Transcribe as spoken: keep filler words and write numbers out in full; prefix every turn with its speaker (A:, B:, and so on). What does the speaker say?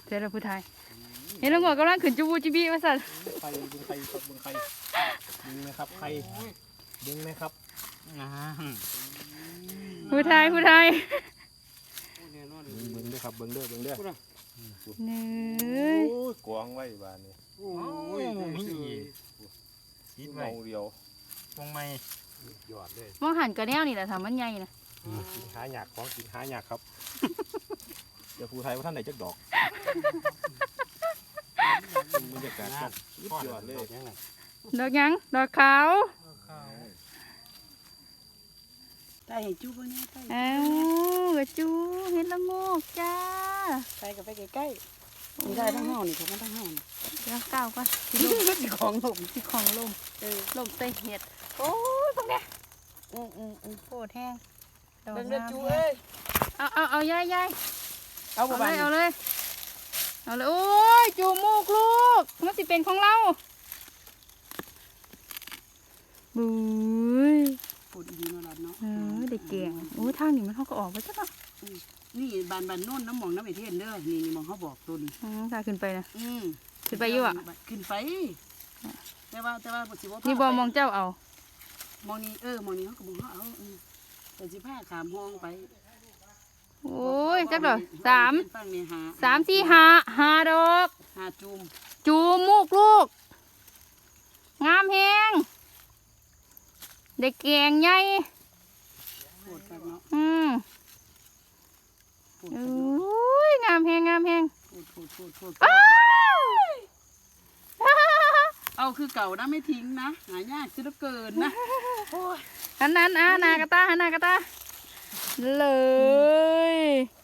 A: เจอแล้วผู้ไทยเห็นแล้วหัวกำลังขึ้นจูบูจีบีมาสั่น
B: ไข่ดึงไข่ครับดึงไข่ดึงนะครับไข่ดึงนะครับ
A: ผู้ไทยผู้ไทย
B: เบิ้งเด้อครับเบิ้งเด้อเบิ้งเด้อ
A: เนื้
B: โอ้ยกวางไว้บ้านนี้
C: โอ้ยมีคิดไว้
B: เมาเดียว
C: วงไม่
B: ยอดเลย
A: มองหันกระแนวนี่แหละทำมันใหญ่นะ
B: กินหาหยากของกินหาหยากครับเดี๋ยวผู้ไทยว่าท่านไหนจักดอกบรรยากาศครับสุดยอดเลย
A: ดอกยังดอกขาว
D: ตายเห็นจูบเนี่ยตาย
A: เอ้ากระจูเห็นละโงกจ้า
D: ตายกับไปใกล้ๆนี่ได้ทั้งห้องนี่ผมทั้งห้อง
A: เดี๋ยวก้าวก่อน
D: สิของหลม
A: ที่ของลมเออลมเตะเห็ดโอ้ยพวกเนี้ย
D: อืมอืมอืม
A: โคตรแห้งดอก
D: เบิ่งเด้อ
A: น้ำ
D: จูเอ้ย
A: เอาเอาเอายายยาย
D: เอา
A: เอา
D: บ่
A: เล
D: บาน
A: ยเอาเลยเอาเลยโอ้ยจูมูกลูกมันสิเป็นของเราบุ้ย
D: พูดดีๆเนาะล่ะเนาะ
A: เออเด็กเก่งโอ้ยทางนี้มันเขาก็ออกไปจ้ะเนาะ
D: นี่บานบานโน่นน้ำหมองน้ำไอเทนเด้อนี่นี่มองเขาบอกตัวนี้
A: อืมตาขึ้นไปนะ
D: อืม
A: ขึ้นไปอยู่อ่ะ
D: ขึ้นไปแต่ว่าแต่ว่าสิบ่
A: นี่บอมองเจ้าเอา
D: มองนี่เออมองนี่เขาก็บอกเขาเอาเออแต่สิพาขามห้องไป
A: โอ้ยจักดอกสาม
D: ฟังนี่หา
A: สามสี่ห้าห้าดอก
D: หาจูม
A: จูมูกลูก งามแฮงเด็กเก่งใหญ่
D: โคตรครับเนาะ
A: อืม
D: โคตร
A: โอ
D: ครับเนาะ
A: ้ยงามแฮงงามแฮง
D: โคตรโคตรโคตรโคตร
A: อ้าว
D: เอาคือเก่านะไม่ทิ้งนะหายากซะเหลือเกินนะโอ้ย
A: อันนั้นอ่ะนากระตาหันนากระตาเลย